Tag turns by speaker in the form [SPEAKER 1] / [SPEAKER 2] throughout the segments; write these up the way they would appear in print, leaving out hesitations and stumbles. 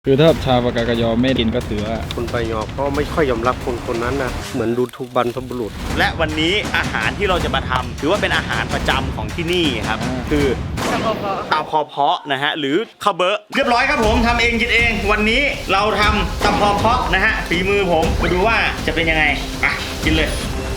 [SPEAKER 1] คือถ้าชาวปากากยอไม่กินก็ถือว่า
[SPEAKER 2] คนปายอเขาไม่ค่อยยอมรับคนนั้นนะเหมือนดูถูกบรรพบุรุษ
[SPEAKER 3] และวันนี้อาหารที่เราจะมาทำถือว่าเป็นอาหารประจำของที่นี่ครับคือตำพอเพาะนะฮะหรือข้าวเบอะเรียบร้อยครับผมทำเองกินเอง วันนี้เราทำตำพอเพาะนะฮะฝีมือผมมาดูว่าจะเป็นยังไงอ่ะกินเลย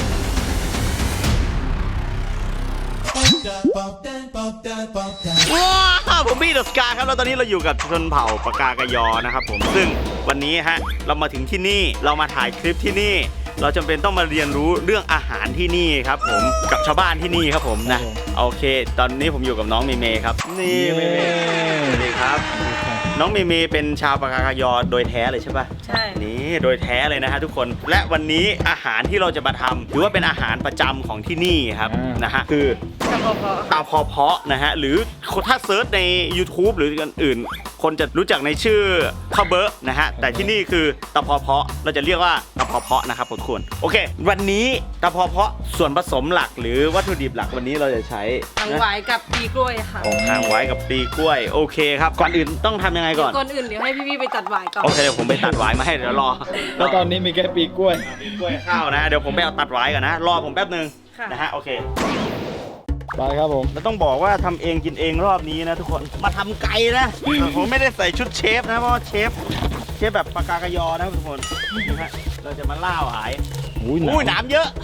[SPEAKER 3] ว้าวผมพี่เดอะสกาครับแล้วตอนนี้เราอยู่กับชนเผ่าปากากยอนะครับผมซึ่งวันนี้ฮะเรามาถึงที่นี่เรามาถ่ายคลิปที่นี่เราจำเป็นต้องมาเรียนรู้เรื่องอาหารที่นี่ครับผมกับชาวบ้านที่นี่ครับผมนะโอเคตอนนี้ผมอยู่กับน้องเมเมครับนี่เมเมสวัสดีครับน้องเมเมเป็นชาวปากากยอโดยแท้เลยใช่ปะใช่นี่โดยแท้เลยนะฮะทุกคนและวันนี้อาหารที่เราจะมาทำถือว่าเป็นอาหารประจำของที่นี่ครับนะฮะคือตำพอเพาะนะฮะหรือถ้าเซิร์ชใน YouTube หรืออื่นคนจะรู้จักในชื่อข้าวเบอะนะฮะแต่ที่นี่คือตำพอเพาะเราจะเรียกว่าตำพอเพาะนะครับทุกคนโอเควันนี้ตำพอเพาะส่วนผสมหลักหรือวัตถุดิบหลักวันนี้เราจะใช้
[SPEAKER 4] หางไว้กับปลีกล้วยค่ะ
[SPEAKER 3] หางไว้กับปลีกล้วยโอเคครับก่อนอื่นต้องทำยังไงก่อน
[SPEAKER 4] เดี๋ยวให้พี่ไปตัดไว้ก่อน
[SPEAKER 3] โอเคเดี๋ยวผมไปตัดไว้มาให้เดี๋ยวรอ
[SPEAKER 1] แล้วตอนนี้มีแค่ปีกล้วย
[SPEAKER 3] ข้าวนะเดี๋ยวผมไปเอาตัดไว้ก่อนนะรอผมแป๊บนึงนะฮะโอเค
[SPEAKER 1] ไปครับผม
[SPEAKER 3] เราต้องบอกว่าทำเองกินเองรอบนี้นะทุกคนมาทำไก่นะผมไม่ได้ใส่ชุดเชฟนะเพราะเชฟแบบปากากยอนะทุกคนนะฮะเราจะมาล่าหวายอุ้ยน้ำเยอะ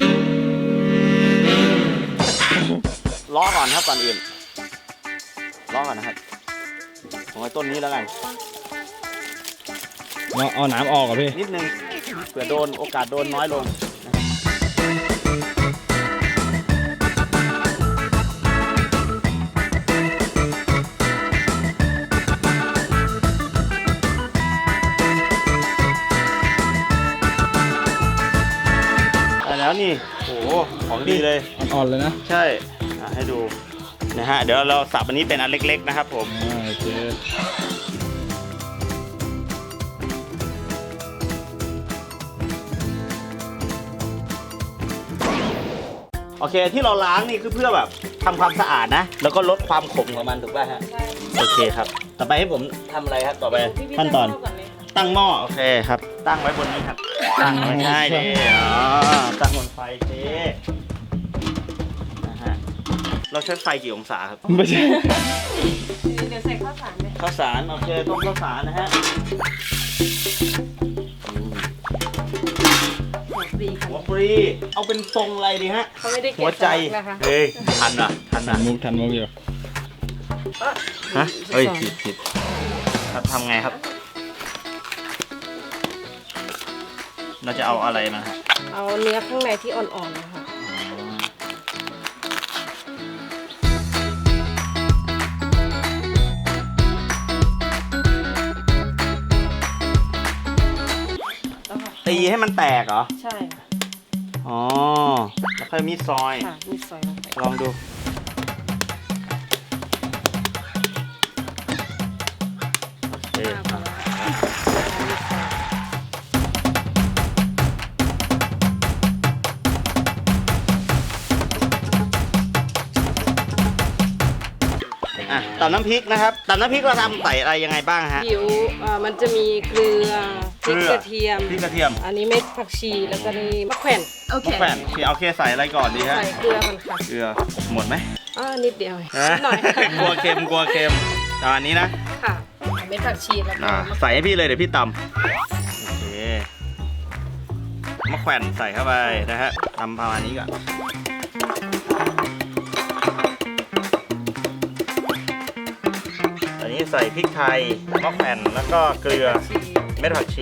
[SPEAKER 3] ล้อก่อนครับก่อนอื่นล้อก่อนนะครับผมเอาต้นนี้แล้วกัน
[SPEAKER 1] เอาน้ำออกอ่ะพี่
[SPEAKER 3] นิดนึงเผื่อโดนโอกาสโดนน้อยลงแล้วนี่โอ้โหของดีเลย
[SPEAKER 1] อ่อนๆเลยนะ
[SPEAKER 3] ใช่ให้ดูนะฮะเดี๋ยวเราสับอันนี้เป็นอันเล็กๆนะครับผมโอเคที่เราล้างนี่คือเพื่อแบบทำความสะอาดนะแล้วก็ลดความขมของมันถูกป่ะฮะโอเคครับต่อไปให้ผมทำอะไรครับต่อไปขั้นตอนตั้งหม้อโอเคครับตั้งไว้บนนี้ครับตั้งไว้ใช่ดิตั้งบนไฟเจ๊นะฮะเราใช้ไฟกี่องศาครับ
[SPEAKER 1] ไม่ใช่
[SPEAKER 4] เดี๋ยวใส่ข้าวสารเลย
[SPEAKER 3] ข้าวสารโอเคต้มข้าวสารนะฮะหัวปรีเอาเป็นทรงอะไรดีฮะ
[SPEAKER 4] เขาไม่ได้
[SPEAKER 3] หัวใจเฮ้ยทัน
[SPEAKER 1] มุกอยู่
[SPEAKER 3] ฮะเฮ้ยผิดครับทำไงครับเราจะเอาอะไรมาฮะ
[SPEAKER 4] เอาเนื้อข้างในที่อ่อนๆนะคะ
[SPEAKER 3] ตีให้มันแตกเหรอ
[SPEAKER 4] ใช่
[SPEAKER 3] อ๋อแล้วค่อยมีซอย
[SPEAKER 4] ค่ะมีซอย
[SPEAKER 3] ลองดูโอเคตำน้ำพริกนะครับตำน้ำพริกเราทำใส่อะไรยังไงบ้างฮะ
[SPEAKER 4] มันจะมีเกลือพริกกระเทียมอันนี้เม็ดผักชีแล้วก็นี่มะแขวน
[SPEAKER 3] โอเคใส่อะไรก่อนดีฮะ
[SPEAKER 4] ใส่เกลือมันค่ะ
[SPEAKER 3] เกลือหมดไหม
[SPEAKER 4] นิดเดียวหน่อย
[SPEAKER 3] กลัวเค็มตอนนี้นะ
[SPEAKER 4] ค่ะเม็ดผักชีแล้ว
[SPEAKER 3] ใส่ให้พี่เลยเดี๋ยวพี่ตำโอเคมะแขวนใส่เข้าไปนะฮะทำประมาณนี้ก่อนใส่พริกไทยมะแขวนแล้วก็เกลือเม็ดผักชี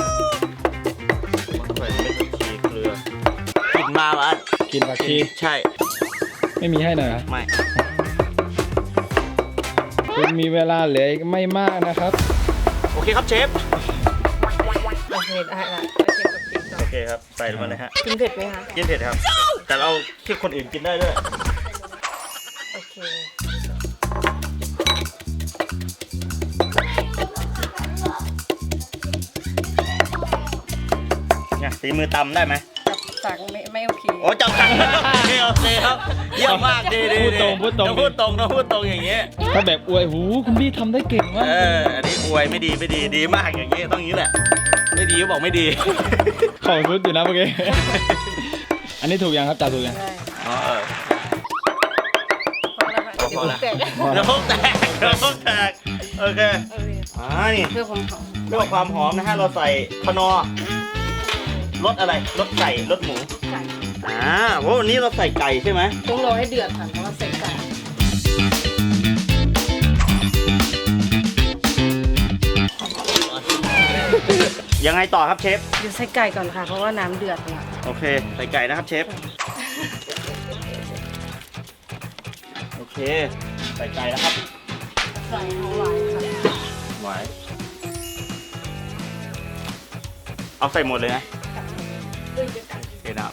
[SPEAKER 3] มะแขวนเม็ดผักชีเกลือกินมาวะ
[SPEAKER 1] กินผักชี
[SPEAKER 3] ใช่
[SPEAKER 1] ไม่มีให้หน่อย
[SPEAKER 3] ไม่
[SPEAKER 1] คุณมีเวลาเหลืออีกไม่มากนะครับ
[SPEAKER 3] โอเคครับเชฟ
[SPEAKER 4] โอเคได้ละ
[SPEAKER 3] โอเคครับใส่ลงมาเลยฮะ
[SPEAKER 4] กินเผ็ดไหมคะ
[SPEAKER 3] กินเผ็ดครับแต่เราที่คนอื่นกินได้ด้วย
[SPEAKER 4] โอเค
[SPEAKER 3] เนี่ยตีมือตำได้ไหม
[SPEAKER 4] สั่งไม่โอเค
[SPEAKER 3] โอ้จับกันโอเคครับเยี่ยมมากดี
[SPEAKER 1] พูดตรงพูดตรง
[SPEAKER 3] ต้องพูดตรงต้องพูดตรงอย่างเงี้ย
[SPEAKER 1] ถ้าแบบอวยหูคุณพี่ทำได้เก่งมาก
[SPEAKER 3] อันนี้อวยไม่ดีดีมากอย่างเงี้ยต้องอย่างนี้แหละไม่ดีก็บอกไม่ดี
[SPEAKER 1] เข่าสุดอยู่นะเมื่อกี้ อันนี้ถูกยังครับจ่าถูกยัง
[SPEAKER 4] ได้
[SPEAKER 3] อ๋อ
[SPEAKER 4] พอแล้วค่ะเดี๋ยวแตก
[SPEAKER 3] แล้วพวกแตกโอเคนี่
[SPEAKER 4] เพื่อความหอม
[SPEAKER 3] เพื่อความหอมนะฮะเราใส่คนอรสอะไรรสไก่รสหมู
[SPEAKER 4] ไก่
[SPEAKER 3] เพราะวันนี้เราใส่ไก่ใช่ไหม
[SPEAKER 4] ต้องรอให้เดือดค่ะเพราะว่าใส่ไก่
[SPEAKER 3] ยังไงต่อครับเชฟ
[SPEAKER 4] เดี๋ยวใส่ไก่ก่อนค่ะ เพราะว่าน้ำเดือดค่ะ
[SPEAKER 3] โอเคใส่ไก่นะครับเชฟโอเคใส่ไก่นะครับ
[SPEAKER 4] ใส่หอมหวานค่ะ
[SPEAKER 3] หวานเอาใส่หมดเลยนะโอเคนะครับ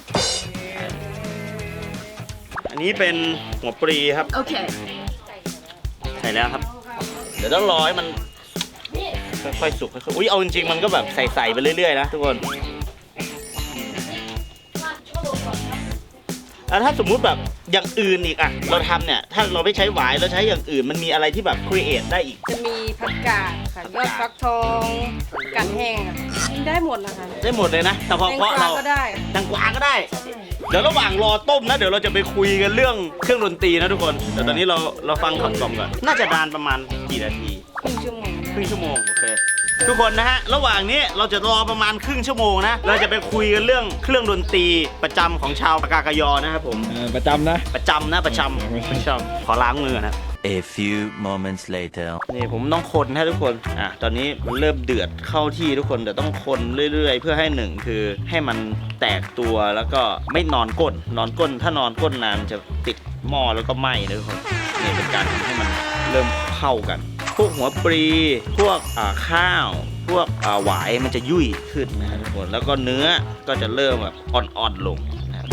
[SPEAKER 3] อันนี้เป็นหัวปลีครับ
[SPEAKER 4] โอเค
[SPEAKER 3] ใส่แล้วครับ เดี๋ยวต้องรอให้มันค่อยๆสุกค่อยๆอุ้ยเอาจริงๆมันก็แบบใส่ๆไปเรื่อยๆนะทุกคนแล้วถ้าสมมุติแบบอย่างอื่นอีกอะเราทำเนี่ยถ้าเราไม่ใช้หวายเราใช้อย่างอื่นมันมีอะไรที่แบบครีเอทได้อีก
[SPEAKER 4] จะมีผักกาดค่ะยอดฟักทองกัดแห้งค่ะกินได้หมดนะคะ
[SPEAKER 3] ได้หมดเลยนะแต่พอ
[SPEAKER 4] แตง
[SPEAKER 3] เพราะ
[SPEAKER 4] กวา
[SPEAKER 3] เรา
[SPEAKER 4] ก็ได้
[SPEAKER 3] แตงกวาก็ได้ เดี๋ยวระหว่างรอต้มนะเดี๋ยวเราจะไปคุยกันเรื่องเครื่องดนตรีนะทุกคนแต่ตอนนี้เราฟังคำกล่อมก่อนน่าจะนานประมาณกี่นาที
[SPEAKER 4] ครึ่งชั่วโมง
[SPEAKER 3] ครึ่งชั่วโมงโอเคทุกคนนะฮะระหว่างนี้เราจะรอประมาณครึ่งชั่วโมงนะเราจะไปคุยกันเรื่องเครื่องดนตรีประจำของชาวปากากยอนะครับผม
[SPEAKER 1] ประจำนะ
[SPEAKER 3] ประจำนะประจำขอล้างมือนะ
[SPEAKER 5] A few moments later
[SPEAKER 3] นี่ผมต้องคนให้ทุกคนตอนนี้มันเริ่มเดือดเข้าที่ทุกคนแต่ต้องคนเรื่อยๆ เพื่อให้หนึ่งคือให้มันแตกตัวแล้วก็ไม่นอนก้นถ้านอนก้นนานจะติดหม้อแล้วก็ไหม้นะทุกคนนี่เป็นการทำให้มันเริ่มเข้ากันพวกหัวปลีพวกข้าวพวกหวายมันจะยุ่ยขึ้นนะทุกคนแล้วก็เนื้อก็จะเริ่มแบบอ่อนๆลงนะครับ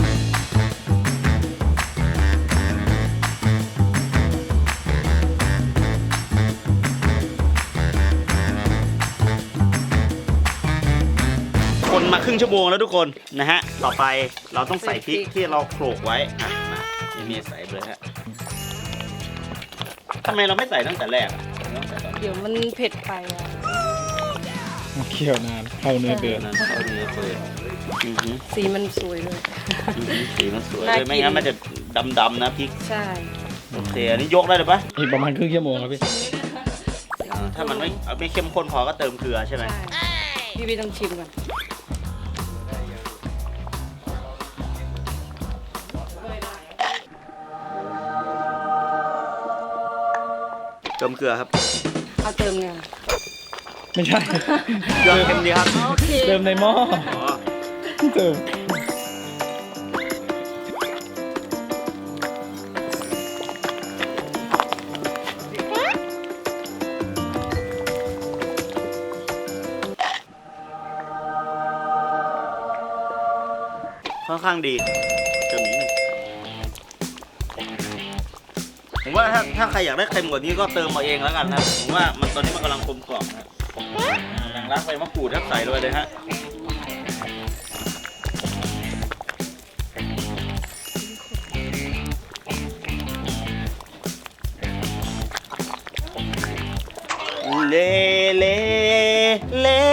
[SPEAKER 3] คนมาครึ่งชั่วโมงแล้วทุกคนนะฮะต่อไปเราต้องใส่พริกที่เราโขลกไว้มามีใส่เลยฮะทำไมเราไม่ใส่ตั้งแต่แรกอะต้องใส่ตอนนี้
[SPEAKER 4] เดี๋ยวมันเผ็ดไปอ่ะ
[SPEAKER 1] เคี่ยวนานเข้าเนื้อเดือด
[SPEAKER 3] นั่นเอาเนื้อเปื่อยอือหือ
[SPEAKER 4] สีมันสวยเลย
[SPEAKER 3] สีมันสวย
[SPEAKER 4] น่า
[SPEAKER 3] เล
[SPEAKER 4] กิ
[SPEAKER 3] ย
[SPEAKER 4] น
[SPEAKER 3] ไม่งั้นมันจะดำๆนะพริก
[SPEAKER 4] ใช่
[SPEAKER 3] โอเคอันนี้ยกได้เลยปะ
[SPEAKER 1] อีกประมาณครึ่งชั่วโมงครับพี่
[SPEAKER 3] ถ้ามันไม่เข้มข้นพอก็เติมเกลือใช่ไหม
[SPEAKER 4] ใช่พี่ต้องชิมก่อน
[SPEAKER 3] เติมเกลือครับ
[SPEAKER 4] เอาเติมไง
[SPEAKER 1] ไม่ใช่
[SPEAKER 3] เกลือเค็มดีครับ
[SPEAKER 4] โอเค
[SPEAKER 1] เติมในหม้อ
[SPEAKER 3] อ๋อ
[SPEAKER 1] เติม
[SPEAKER 3] ค่อนข้างดีเติมนิดนึงผมว่าถ้าใครอยากได้เค็มกว่านี้ก็เติมมาเองแล้วกันนะผมว่ามันตอนนี้มันกำลังกลมกล่อมนะอย่างรักใบมะกรูดครับใส่เลยฮะเล่เล่เล่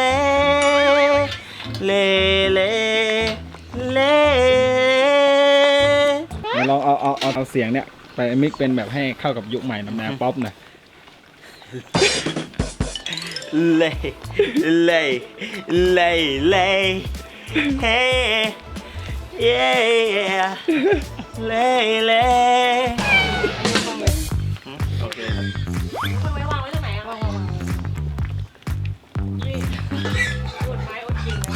[SPEAKER 3] เล่เล่เล่
[SPEAKER 1] ลองเอาเสียงเนี่ยไปมิกเป็นแบบให้เข้ากับยุคใหม่แนวป๊อปหน่อย
[SPEAKER 3] เล่เล่เล่เล่เฮ้เย่เล่เล่โอเคครับ
[SPEAKER 4] เอาไว้วางไว้ตรงไหนอ่ะวางนี่อดไม้อดกินนะ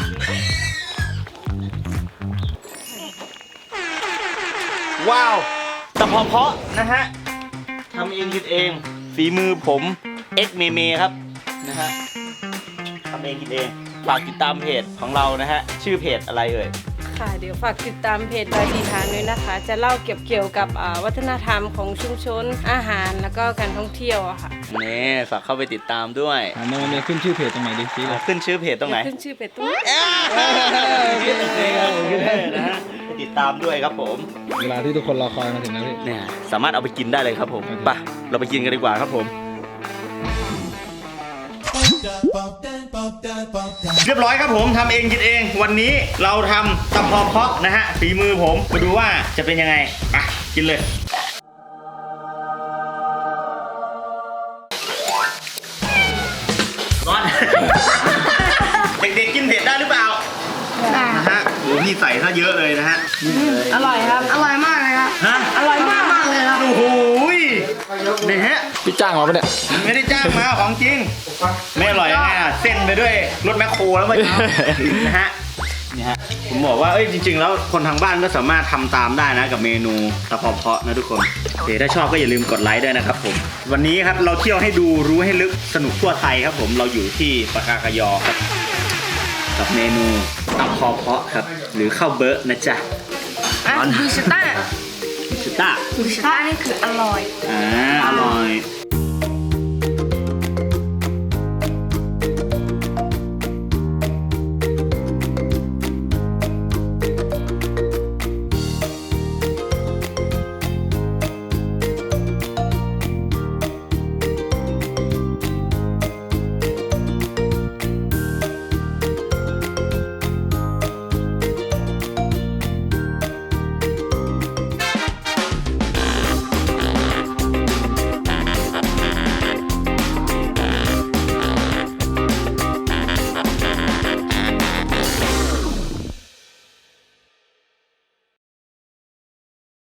[SPEAKER 3] ว้าวแต่พอเพาะนะฮะทำเองกินเองฝีมือผมเอ็กเมเมครับนะฮะทำเองกินเองฝากติดตามเพจของเรานะฮะชื่อเพจอะไรเอ่ย
[SPEAKER 4] ค่ะเดี๋ยวฝากติดตามเพจลายสีทางด้วยนะคะ จะเล่าเกี่ยวกับวัฒนธรรมของชุมชนอาหารแล้วก็การท่องเที่ยวอะค่ะ
[SPEAKER 3] นี่ฝากเข้าไปติดตามด้วย
[SPEAKER 1] โนเนี่ยขึ้นชื่อเพจตรงไหนดิชี้เลย
[SPEAKER 3] ขึ้นชื่อเพจตรงไหน
[SPEAKER 4] ขึ้นชื่อเพจตรงนี้
[SPEAKER 3] นะฮะติดตามด้วยครับผม
[SPEAKER 1] เวลาที่ทุกคนรอคอยมาถึงแล้วพี่
[SPEAKER 3] เนี่ยสามารถเอาไปกินได้เลยครับผม
[SPEAKER 1] โอเค
[SPEAKER 3] ไปเราไปกินกันดีกว่าครับผม เรียบร้อยครับผมทำเองกินเองวันนี้เราทำตำพอเพาะนะฮะฝีมือผมมาดูว่าจะเป็นยังไงอ่ะกินเลยร้อน เด็กๆกินเผ็ดได้หรือเปล่านะฮะโอ้พี่ใส่ซะเยอะเลยนะฮะ
[SPEAKER 4] อร่อยครับ
[SPEAKER 6] อร่อยมากเลยครับ
[SPEAKER 3] ฮะ
[SPEAKER 4] อร่อยมาก
[SPEAKER 6] มากเลยครับ
[SPEAKER 3] โอ้โหนี่ฮะ
[SPEAKER 1] พี่จ้างมาปะเนี่ย
[SPEAKER 3] ไม่ได้จ้างมาของจริง ไม่อร่อยยังไงอ่ะเส้นไปด้วยรถแมคโครแล้วเมื่อเช้า นะฮะนี่ฮะผมบอกว่าเอ้ยจริงๆแล้วคนทางบ้านก็สามารถทำตามได้นะกับเมนูตะพอเพาะนะทุกคนโอเคถ้าชอบก็อย่าลืมกดไลค์ด้วยนะครับผมวันนี้ครับเราเที่ยวให้ดูรู้ให้ลึกสนุกทั่วไทยครับผมเราอยู่ที่ปากากยอครับกับเมนูตะพอเพาะครับหรือข้าวเบอร์นะจ๊ะ
[SPEAKER 6] อ่ะดูสต้า
[SPEAKER 3] ชิต้า
[SPEAKER 6] ดูสต้านี่คืออร่อย
[SPEAKER 3] อร่อย